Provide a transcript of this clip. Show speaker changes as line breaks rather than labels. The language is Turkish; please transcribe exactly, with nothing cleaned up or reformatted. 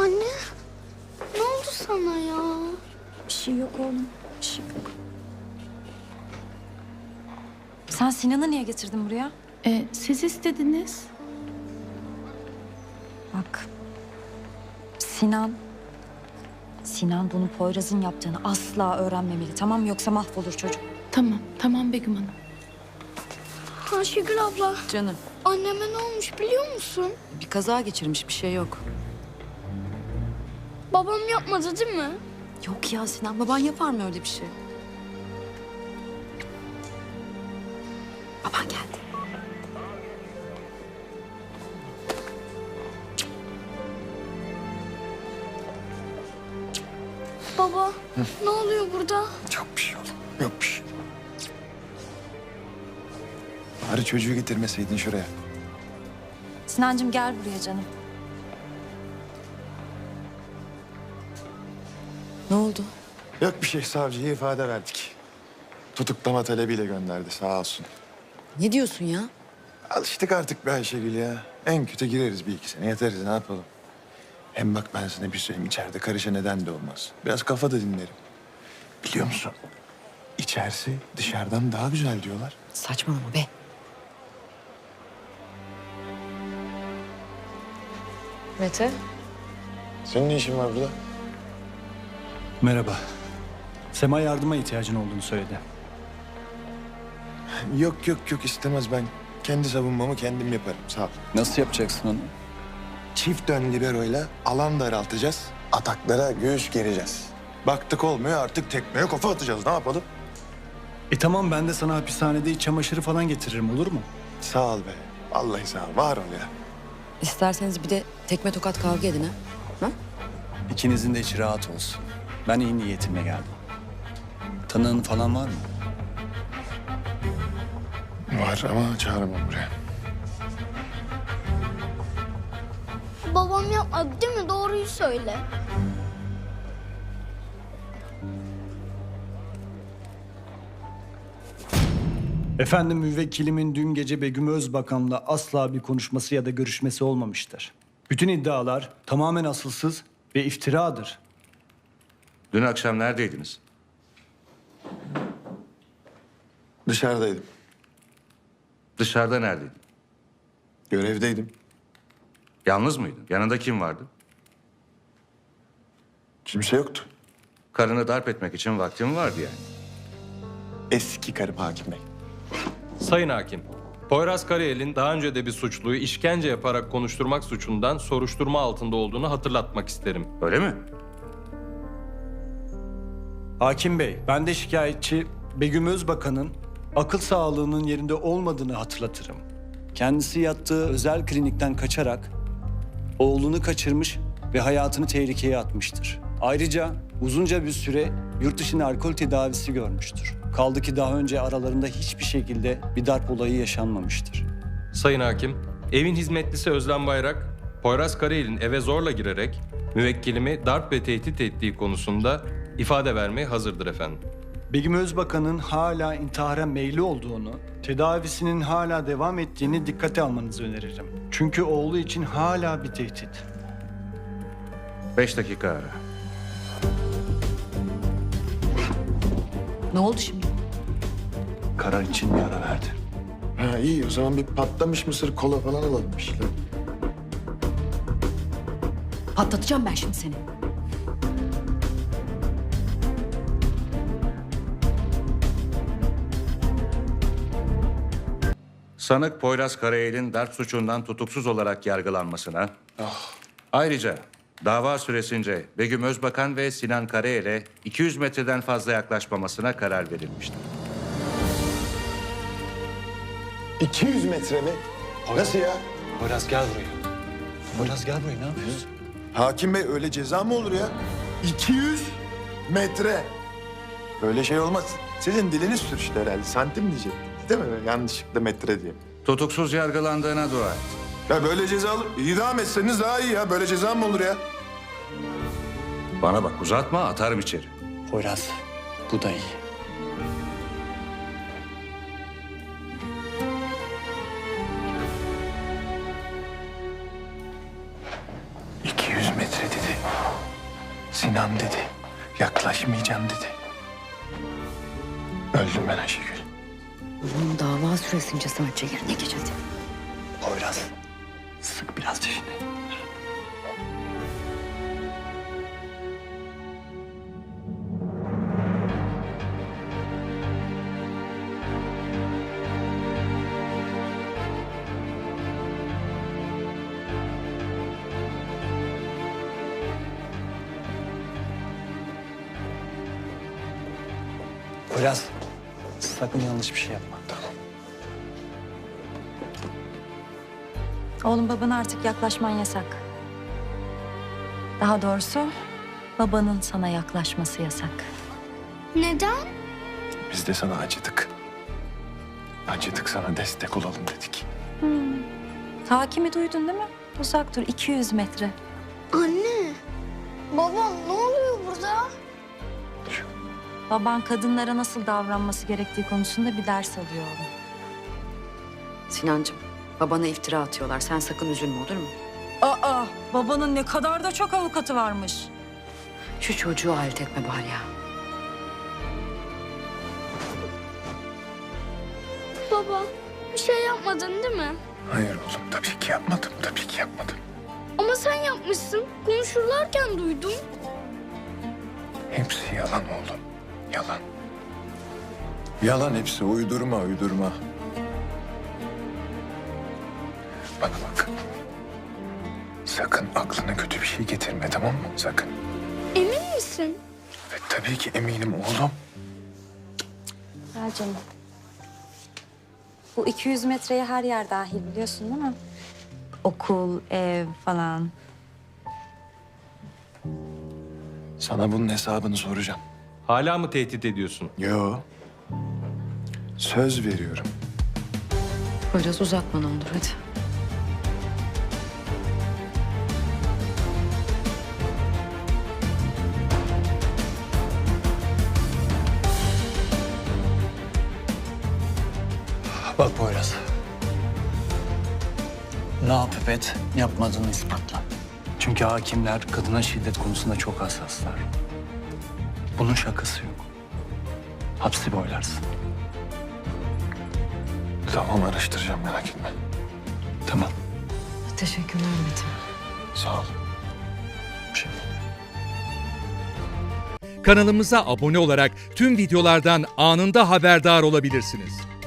Anne, ne oldu sana ya?
Bir şey yok oğlum, bir şey yok. Sen Sinan'ı niye getirdin buraya?
Ee, siz istediniz.
Bak, Sinan... Sinan bunu Poyraz'ın yaptığını asla öğrenmemeli, tamam mı? Yoksa mahvolur çocuk.
Tamam, tamam Begüm Hanım.
Ayşegül abla,
Canım,
anneme ne olmuş biliyor musun?
bir kaza geçirmiş, bir şey yok.
Babam yapmadı değil mi?
Yok ya Sinan, baban yapar mı öyle bir şey? Baban geldi.
Baba, ne oluyor burada?
Yok bir şey oğlum. Yok bir şey. Bari çocuğu getirmeseydin şuraya.
Sinancığım gel buraya canım.
Ne oldu?
Yok bir şey, savcıya ifade verdik. Tutuklama talebiyle gönderdi sağ olsun.
Ne diyorsun ya?
Alıştık artık be Ayşegül ya. En kötü gireriz bir iki sene yatarız ne yapalım. Hem bak ben sana bir söyleyeyim, içeride karışa neden de olmaz. Biraz kafa da dinlerim. Biliyor musun? İçerisi dışarıdan daha güzel diyorlar.
Saçmalama be. Mete?
Senin ne işin var burada?
Merhaba. Sema yardıma ihtiyacın olduğunu söyledi.
Yok yok yok istemez, ben kendi savunmamı kendim yaparım sağ ol.
Nasıl yapacaksın onu?
Çift ön liberoyla alan daraltacağız. Ataklara göğüs gereceğiz. Baktık olmuyor, artık tekmeye kafa atacağız. Ne yapalım?
E tamam, ben de sana hapishanede iç çamaşırı falan getiririm, olur mu?
Sağ ol be. Vallahi sağ ol. Var ol ya.
İsterseniz bir de tekme tokat kavga edin ha. Ha?
İkinizin de içi rahat olsun. Ben iyi niyetimle geldim. Tanığın falan var mı?
Var ama çağıramam buraya.
Babam yapmadı değil mi? Doğruyu söyle.
Efendim, müvekkilimin dün gece Begüm Özbakan'la asla bir konuşması ya da görüşmesi olmamıştır. Bütün iddialar tamamen asılsız ve iftiradır.
Dün akşam neredeydiniz?
Dışarıdaydım.
Dışarıda neredeydin?
Görevdeydim.
Yalnız mıydın? Yanında kim vardı?
Kimse yoktu.
Karını darp etmek için vaktin vardı yani.
Eski karım hakim bey.
Sayın Hakim, Poyraz Karayel'in daha önce de bir suçluyu işkence yaparak konuşturmak suçundan soruşturma altında olduğunu hatırlatmak isterim.
Öyle mi?
Hakim Bey, ben de şikayetçi Begüm Özbakan'ın akıl sağlığının yerinde olmadığını hatırlatırım. Kendisi yattığı özel klinikten kaçarak oğlunu kaçırmış ve hayatını tehlikeye atmıştır. Ayrıca uzunca bir süre yurt dışında alkol tedavisi görmüştür. Kaldı ki daha önce aralarında hiçbir şekilde bir darp olayı yaşanmamıştır.
Sayın Hakim, evin hizmetlisi Özlem Bayrak, Poyraz Karayel'in eve zorla girerek müvekkilimi darp ve tehdit ettiği konusunda ifade vermeye hazırdır efendim.
Begüm Özbakan'ın hala intihara meyilli olduğunu, tedavisinin hala devam ettiğini dikkate almanızı öneririm. Çünkü oğlu için hala bir tehdit.
Beş dakika ara.
Ne oldu şimdi?
Karar için bir ara verdi.
Ha iyi, o zaman bir patlamış mısır kola falan alalım bir şeyler.
Patlatacağım ben şimdi seni.
Sanık Poyraz Karayel'in darp suçundan tutuksuz olarak yargılanmasına... Ayrıca dava süresince Begüm Özbakan ve Sinan Karayel'e iki yüz metreden fazla yaklaşmamasına karar verilmiştir.
iki yüz metre mi? Nasıl ya?
Poyraz gel buraya. Poyraz gel buraya, ne yapıyorsun?
Hakim bey öyle ceza mı olur ya? iki yüz metre. Böyle şey olmaz. Sizin diliniz sürçtü herhalde. Santim diyecek. Değil mi? Yanlışlıkla metre diye.
Tutuksuz yargılandığına dua et.
Ya böyle ceza olur. İdam etseniz daha iyi ya. Böyle ceza mı olur ya?
Bana bak, uzatma, atarım içeri.
Poyraz, bu da iyi.
iki yüz metre dedi. Sinan dedi. Yaklaşmayacağım dedi. Öldüm ben Ayşegül.
Bunun dava süresince sadece yerine geç hadi.
Poyraz, sık biraz dişini. Poyraz, sakın yanlış bir şey yapma. Tamam.
Oğlum, babana artık yaklaşman yasak. Daha doğrusu babanın sana yaklaşması yasak.
Neden?
Biz de sana acıdık. Acıdık, sana destek olalım dedik.
Hakimi duydun değil mi? Uzak dur, iki yüz metre.
Anne. Baba ne oluyor burada?
Baban kadınlara nasıl davranması gerektiği konusunda bir ders alıyor oğlum.
Sinancığım, babana iftira atıyorlar. Sen sakın üzülme, olur mu?
Aa, babanın ne kadar da çok avukatı varmış.
Şu çocuğu alet etme bari ya.
Baba bir şey yapmadın değil mi?
Hayır oğlum, tabii ki yapmadım. Tabii ki yapmadım.
Ama sen yapmışsın. Konuşurlarken duydum.
Hepsi yalan oğlum. Yalan. Yalan hepsi. Uydurma, uydurma. Bana bak. Sakın aklına kötü bir şey getirme, tamam mı? Sakın.
Emin misin?
Ve tabii ki eminim oğlum.
Gel canım. Bu iki yüz metreye her yer dahil, biliyorsun değil mi? Okul, ev falan.
Sana bunun hesabını soracağım.
Hala mı tehdit ediyorsun?
Yo. Söz veriyorum.
Biraz uzatma ne olur hadi.
Bak Poyraz. Ne yapıp et, yapmadığını ispatla. Çünkü hakimler kadına şiddet konusunda çok hassaslar. Bunun şakası yok. Hapsi boylarsın.
Tamam, araştıracağım, merak etme.
Tamam.
Teşekkürler Metin.
Sağ ol. Bir şey.
Kanalımıza abone olarak tüm videolardan anında haberdar olabilirsiniz.